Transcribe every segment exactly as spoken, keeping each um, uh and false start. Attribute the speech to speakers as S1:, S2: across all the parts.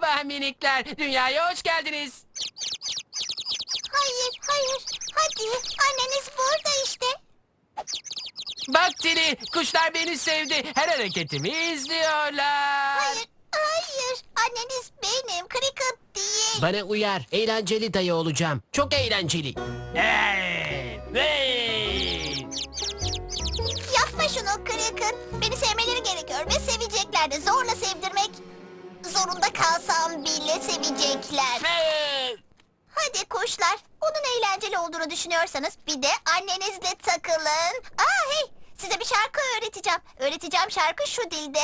S1: Merhaba minikler. Dünyaya hoş geldiniz.
S2: Hayır, hayır. Hadi, anneniz burada işte.
S1: Bak Tili, kuşlar beni sevdi. Her hareketimi izliyorlar.
S2: Hayır, hayır. Anneniz benim, Cricket değil.
S3: Bana uyar. Eğlenceli dayı olacağım. Çok eğlenceli.
S1: Hey, hey.
S2: Yapma şunu Cricket. Beni sevmeleri gerekiyor ve sevecekler de. Zorla sevdirmek zorunda kalsam bile sevecekler.
S1: Hey.
S2: Hadi kuşlar, onun eğlenceli olduğunu düşünüyorsanız bir de annenizle takılın. Aa hey, size bir şarkı öğreteceğim. Öğreteceğim şarkı şu dilde.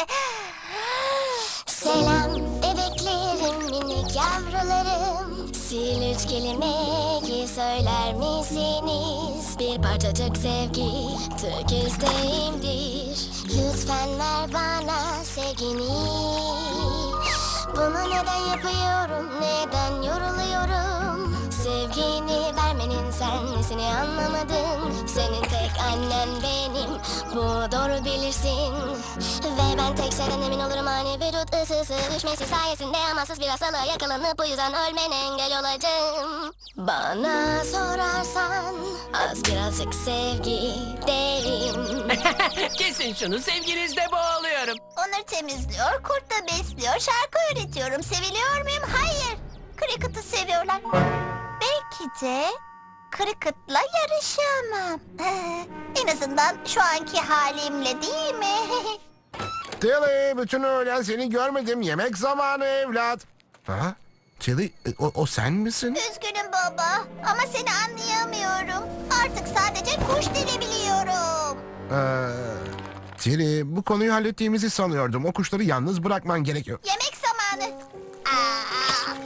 S2: Selam bebeklerim, minik yavrularım. Sil üç kelimeyi söyler misiniz? Bir parçacık sevgi tek isteğimdir. Lütfen ver bana sevgini. Bunu neden yapıyorum, neden yoruluyorum? Sevgini vermenin sen nesini anlamadım. Senin tek annen benim, bu doğru bilirsin. Ve ben tek şeyden emin olurum, hani vücut ısısı düşmesi sayesinde amansız bir hastalığa yakalanıp bu yüzden ölmene engel olacağım. Bana sorarsan az birazcık sevgi derim.
S1: Kesin şunu, sevginizde boğuluyorum.
S2: Onları temizliyor, kurt da besliyor, şarkı öğretiyorum. Seviliyor muyum? Hayır. Cricket'ı seviyorlar. Belki de Cricket'la yarışamam. En azından şu anki halimle değil mi?
S4: Tilly, bütün öğlen seni görmedim. Yemek zamanı evlat. Ha? Tilly, e, o, o sen misin?
S2: Üzgünüm baba ama seni anlayamıyorum. Artık sadece kuş dili biliyorum.
S4: Ee, Tilly, bu konuyu hallettiğimizi sanıyordum. O kuşları yalnız bırakman gerekiyor.
S2: Yemek zamanı. Aa,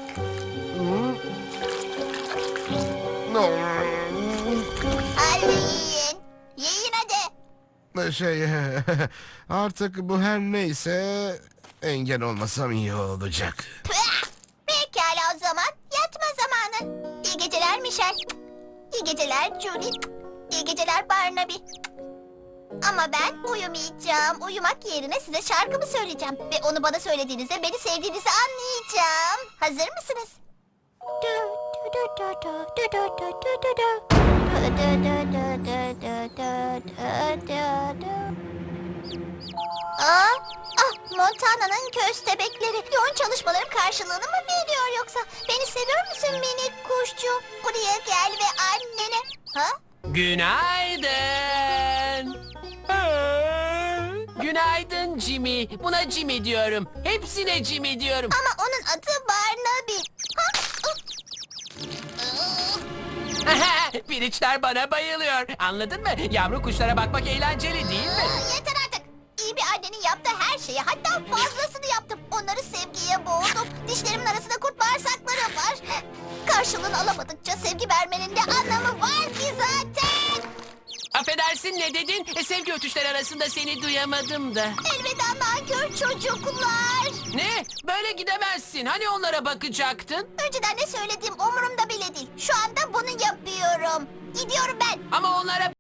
S2: hadi yiyin. Yiyin hadi.
S4: Şey, artık bu her neyse engel olmasam iyi olacak.
S2: Püh! Pekala o zaman. Yatma zamanı. İyi geceler Michel. İyi geceler Julie. İyi geceler Barnaby. Ama ben uyumayacağım. Uyumak yerine size şarkımı söyleyeceğim. Ve onu bana söylediğinizde beni sevdiğinizi anlayacağım. Hazır mısınız? Aa, ah, Montana'nın köstebekleri. Yoğun çalışmalarım karşılığını mı veriyor yoksa? Beni seviyor musun minik kuşçu? Buraya gel ve annene. Ha?
S1: Günaydın. Aa, Günaydın Jimmy. Buna Jimmy diyorum. Hepsine Jimmy diyorum.
S2: Ama onun adı Barnaby. Ha?
S1: Piriçler bana bayılıyor. Anladın mı? Yavru kuşlara bakmak eğlenceli değil mi?
S2: Aa, yeter artık. İyi bir annenin yaptığı her şeyi, hatta fazlasını yaptım. Onları sevgiye boğdum. Dişlerimin arasında kurt bağırsakları var. Karşılığını alamadıkça sevgi vermenin de anlamı var ki zaten.
S1: Affedersin, ne dedin? E, sevgi ötüşleri arasında seni duyamadım da.
S2: Elveda nankör çocuklar.
S1: Ne? Böyle gidemezsin. Hani onlara bakacaktın?
S2: Önceden ne söylediğim umurumda bile değil. Şu anda bunu yapıyorum. Gidiyorum ben.
S1: Ama onlara